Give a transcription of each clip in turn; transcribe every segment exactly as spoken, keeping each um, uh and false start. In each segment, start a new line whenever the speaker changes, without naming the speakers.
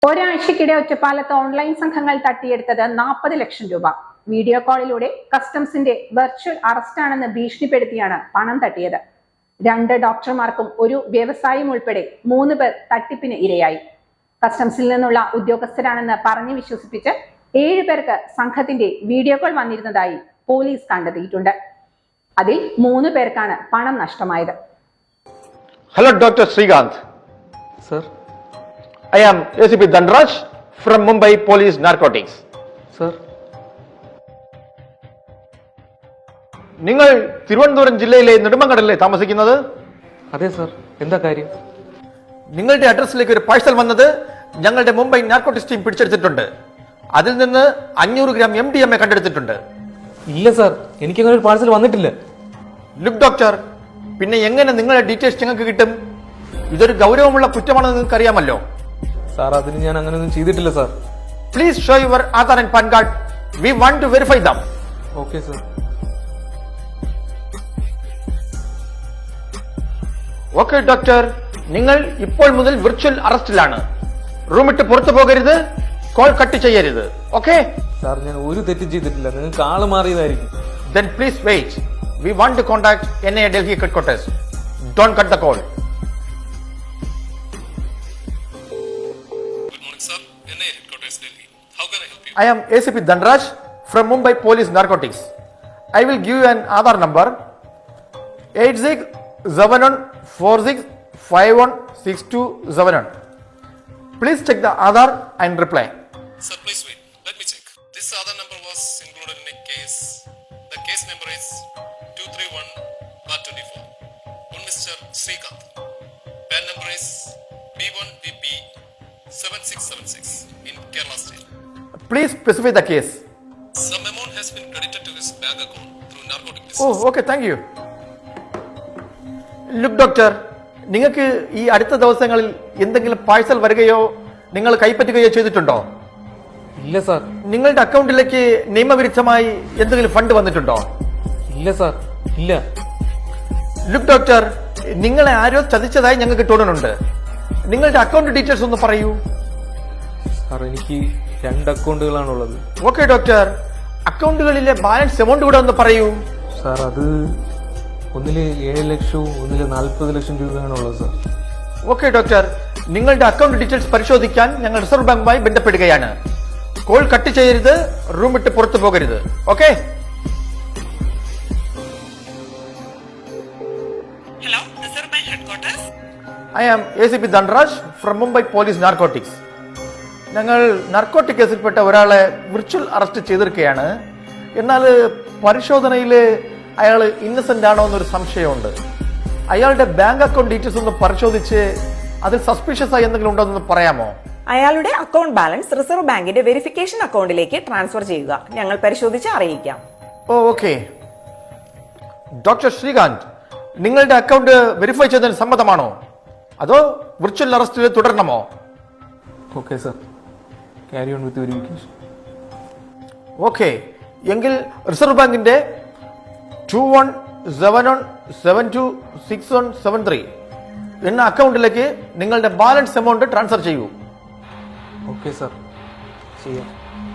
ഒരാഴ്ചക്കിടെ ഒറ്റപ്പാലത്ത് ഓൺലൈൻ സംഘങ്ങൾ തട്ടിയെടുത്തത് നാൽപ്പത് ലക്ഷം രൂപ. വീഡിയോ കോളിലൂടെ കസ്റ്റംസിന്റെ വെർച്വൽ അറസ്റ്റാണെന്ന് ഭീഷണിപ്പെടുത്തിയാണ് പണം തട്ടിയത്. രണ്ട് ഡോക്ടർമാർക്കും ഒരു വ്യവസായിയും ഉൾപ്പെടെ മൂന്ന് പേർ തട്ടിപ്പിന് ഇരയായി. കസ്റ്റംസിൽ നിന്നുള്ള ഉദ്യോഗസ്ഥരാണെന്ന് പറഞ്ഞു വിശ്വസിപ്പിച്ച് ഏഴു പേർക്ക് സംഘത്തിന്റെ വീഡിയോ കോൾ വന്നിരുന്നതായി പോലീസ് കണ്ടെത്തിയിട്ടുണ്ട്. അതിൽ മൂന്ന് പേർക്കാണ് പണം നഷ്ടമായത്.
Hello doctor Srikanth.
Sir,
I am A C P Dhanraj from Mumbai Police Narcotics.
Sir,
നിങ്ങൾ തിരുവനന്തപുരം ജില്ലയിലെ നെടുമങ്ങടല്ലേ താമസിക്കുന്നത്?
അതെ സർ. എന്താ കാര്യം?
നിങ്ങളുടെ അഡ്രസ്സിലേക്ക് ഒരു പാഴ്സൽ വന്നത് ഞങ്ങളുടെ മുംബൈ നാർക്കോട്ടിക്സ് ടീം പിടിച്ചെടുത്തിട്ടുണ്ട്. അതിൽ നിന്ന് അഞ്ഞൂറ് gram M D M A കണ്ടെടുത്തിട്ടുണ്ട്.
ഇല്ല സർ, എനിക്കങ്ങനെ ഒരു പാഴ്സൽ വന്നിട്ടില്ല.
ലുക്ക് ഡോക്ടർ, പിന്നെ എങ്ങനെ നിങ്ങളുടെ ഡീറ്റെയിൽസ് ഞങ്ങൾക്ക് കിട്ടും? ഇതൊരു ഗൗരവമുള്ള കുറ്റമാണെന്ന് നിങ്ങൾക്ക് അറിയാമല്ലോ.
സാർ, അതിന് ഞാൻ അങ്ങനെയൊന്നും ചെയ്തിട്ടില്ല sir.
Please show your Aadhaar and PAN card. We want to verify them.
Okay sir.
Okay doctor, നിങ്ങൾ ഇപ്പോൾ മുതൽ വിർച്വൽ അറസ്റ്റിലാണ്. റൂം ഇട്ട് പുറത്തു പോകരുത്, കോൾ കട്ട് ചെയ്യരുത്. ഓക്കെ
സാർ, ഞാൻ ഒരു തെറ്റും ചെയ്തിട്ടില്ല. നിങ്ങൾക്ക് ആള് മാറിയതായിരിക്കും.
then please wait. We want to contact N I A Delhi headquarters. Don't cut the call.
Good morning, sir. N I A headquarters, Delhi. How can I help you?
I am A C P Dhanraj from Mumbai Police Narcotics. I will give you an Aadhaar number eight six seven one four six five one six two seven one. Please check the Aadhaar and reply.
Sir, please wait. Let me check. This other number was included in a case. The case number is two three one bar twenty-four. One Mister Srikanth. Pan number is B one B P seven six seven six in Kerala State.
Please specify the case.
Some amount has been credited to his bank account through narcotic business.
Oh, okay, thank you. Look, doctor, നിങ്ങൾക്ക് ഈ അടുത്ത ദിവസങ്ങളിൽ എന്തെങ്കിലും parcel വരികയോ നിങ്ങൾ കൈപ്പറ്റുകയോ ചെയ്തിട്ടുണ്ടോ?
ഇല്ല sir.
നിങ്ങളുടെ അക്കൗണ്ടിലേക്ക് നിയമവിരുദ്ധമായി എന്തെങ്കിലും ഫണ്ട് വന്നിട്ടുണ്ടോ?
ഇല്ല സാർ, ഇല്ല.
ലുക്ക് ഡോക്ടർ, നിങ്ങളെ ആരോ ചതിച്ചതായി ഞങ്ങൾക്ക് തോന്നുന്നുണ്ട്. നിങ്ങളുടെ അക്കൗണ്ട് ഡീറ്റെയിൽസ് ഒന്ന് പറയൂ.
സാർ, എനിക്ക് രണ്ട് അക്കൗണ്ടുകളാണുള്ളത്.
ഓക്കെ ഡോക്ടർ, അക്കൗണ്ടുകളിലെ ബാലൻസ് എമൗണ്ട് കൂടെ ഒന്ന് പറയൂ.
സാർ, അത് ഒന്നില് ഏഴ് ലക്ഷവും ഒന്നില് നാൽപ്പത് ലക്ഷം രൂപയാണുള്ളത് സാർ.
ഓക്കെ ഡോക്ടർ, നിങ്ങളുടെ അക്കൗണ്ട് ഡീറ്റെയിൽസ് പരിശോധിക്കാൻ ഞങ്ങൾ റിസർവ് ബാങ്കുമായി ബന്ധപ്പെടുകയാണ്. കോൾ കട്ട് ചെയ്യരുത്, റൂം വിട്ട് പുറത്തു പോകരുത്. Okay?
Hello, Reserve Bank Headquarters.
I am A C P Dhanraj from Mumbai police narcotics. ഞങ്ങൾ നാർക്കോട്ടിക് കേസിൽപ്പെട്ട ഒരാളെ വിർച്വൽ അറസ്റ്റ് ചെയ്തിരിക്കുകയാണ്. എന്നാൽ പരിശോധനയിൽ അയാൾ ഇന്നസെന്റ് ആണോ എന്നൊരു സംശയമുണ്ട്. അയാളുടെ ബാങ്ക് അക്കൗണ്ട് ഡീറ്റെയിൽസ് ഒന്ന് പരിശോധിച്ച് അതിൽ സസ്പീഷ്യസ് ആയി എന്തെങ്കിലും ഉണ്ടോ എന്ന് പറയാമോ?
അയാളുടെ അക്കൗണ്ട് ബാലൻസ് റിസർവ് ബാങ്കിന്റെ വെരിഫിക്കേഷൻ അക്കൗണ്ടിലേക്ക് ട്രാൻസ്ഫർ ചെയ്യുക. ഞങ്ങൾ പരിശോധിച്ച് അറിയിക്കാം.
ഓ ഓക്കെ. ഡോക്ടർ ശ്രീകാന്ത്, നിങ്ങളുടെ അക്കൗണ്ട് വെരിഫൈ ചെയ്തതിന് സമ്മതമാണോ അതോ വിർച്വൽ അറസ്റ്റിൽ തുടരണമോ?
Okay sir, carry on with verification.
Okay, എങ്കിൽ റിസർവ് ബാങ്കിന്റെ two one seven one seven two six one seven three എന്ന അക്കൗണ്ടിലേക്ക് നിങ്ങളുടെ ബാലൻസ് എമൗണ്ട് ട്രാൻസ്ഫർ ചെയ്യൂ.
ഓക്കെ സാർ, ചെയ്യാം.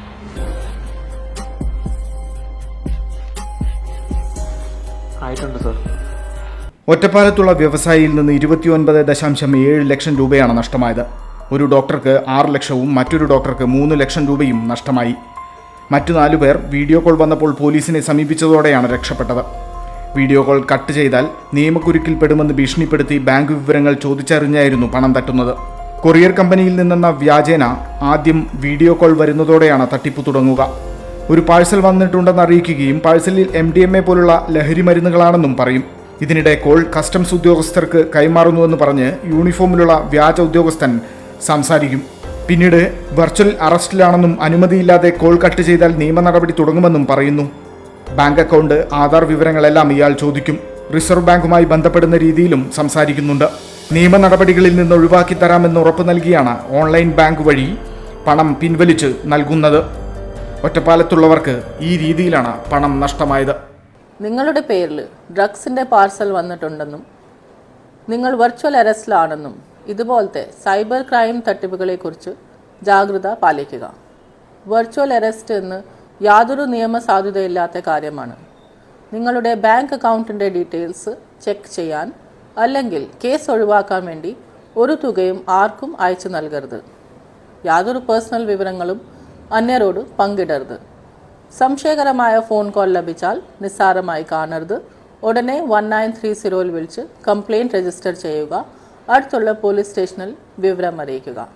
ആയിട്ടുണ്ട് സാർ.
ഒറ്റപ്പാലത്തുള്ള വ്യവസായിയിൽ നിന്ന് ഇരുപത്തിയൊൻപത് ദശാംശം ഏഴ് ലക്ഷം രൂപയാണ് നഷ്ടമായത്. ഒരു ഡോക്ടർക്ക് ആറ് ലക്ഷവും മറ്റൊരു ഡോക്ടർക്ക് മൂന്ന് ലക്ഷം രൂപയും നഷ്ടമായി. മറ്റു നാലുപേർ വീഡിയോ കോൾ വന്നപ്പോൾ പോലീസിനെ സമീപിച്ചതോടെയാണ് രക്ഷപ്പെട്ടത്. വീഡിയോ കോൾ കട്ട് ചെയ്താൽ നിയമക്കുരുക്കിൽപ്പെടുമെന്ന് ഭീഷണിപ്പെടുത്തി ബാങ്ക് വിവരങ്ങൾ ചോദിച്ചറിഞ്ഞായിരുന്നു പണം തട്ടുന്നത്. കൊറിയർ കമ്പനിയിൽ നിന്നെന്ന വ്യാജേന ആദ്യം വീഡിയോ കോൾ വരുന്നതോടെയാണ് തട്ടിപ്പ് തുടങ്ങുക. ഒരു പാഴ്സൽ വന്നിട്ടുണ്ടെന്ന് അറിയിക്കുകയും പാഴ്സലിൽ എം ഡി എം എ പോലുള്ള ലഹരി മരുന്നുകളാണെന്നും പറയും. ഇതിനിടെ കോൾ കസ്റ്റംസ് ഉദ്യോഗസ്ഥർക്ക് കൈമാറുന്നുവെന്ന് പറഞ്ഞ് യൂണിഫോമിലുള്ള വ്യാജ ഉദ്യോഗസ്ഥൻ സംസാരിക്കും. പിന്നീട് വെർച്വൽ അറസ്റ്റിലാണെന്നും അനുമതിയില്ലാതെ കോൾ കട്ട് ചെയ്താൽ നിയമ നടപടി തുടങ്ങുമെന്നും പറയുന്നു. ബാങ്ക് അക്കൗണ്ട്, ആധാർ വിവരങ്ങളെല്ലാം ഇയാൾ ചോദിക്കും. റിസർവ് ബാങ്കുമായി ബന്ധപ്പെടുന്ന രീതിയിലും സംസാരിക്കുന്നുണ്ട്. നിയമ നടപടികളിൽ നിന്ന് ഒഴിവാക്കി തരാമെന്ന് ഉറപ്പ് നൽകിയാണ് ഓൺലൈൻ ബാങ്ക് വഴി പണം പിൻവലിച്ച് നൽകുന്നത്. ഒറ്റപ്പാലത്തുള്ളവർക്ക് ഈ രീതിയിലാണ് പണം നഷ്ടമായത്.
നിങ്ങളുടെ പേരിൽ ഡ്രഗ്സിൻ്റെ പാർസൽ വന്നിട്ടുണ്ടെന്നും നിങ്ങൾ വെർച്വൽ അറസ്റ്റിലാണെന്നും ഇതുപോലത്തെ സൈബർ ക്രൈം തട്ടിപ്പുകളെക്കുറിച്ച് ജാഗ്രത പാലിക്കുക. വെർച്വൽ അറസ്റ്റ് എന്ന് യാതൊരു നിയമസാധുതയില്ലാത്ത കാര്യമാണ്. നിങ്ങളുടെ ബാങ്ക് അക്കൗണ്ടിൻ്റെ ഡീറ്റെയിൽസ് ചെക്ക് ചെയ്യാൻ അല്ലെങ്കിൽ കേസ് ഒഴിവാക്കാൻ വേണ്ടി ഒരു തുകയും ആർക്കും അയച്ചു നൽകരുത്. യാതൊരു പേഴ്സണൽ വിവരങ്ങളും അന്യരോട് പങ്കിടരുത്. സംശയകരമായ ഫോൺ കോൾ ലഭിച്ചാൽ നിസ്സാരമായി കാണരുത്. ഉടനെ വൺ നയൻ ത്രീ സീറോയിൽ വിളിച്ച് കംപ്ലയിൻറ്റ് രജിസ്റ്റർ ചെയ്യുക. അടുത്തുള്ള പോലീസ് സ്റ്റേഷനിൽ വിവരം അറിയിക്കുക.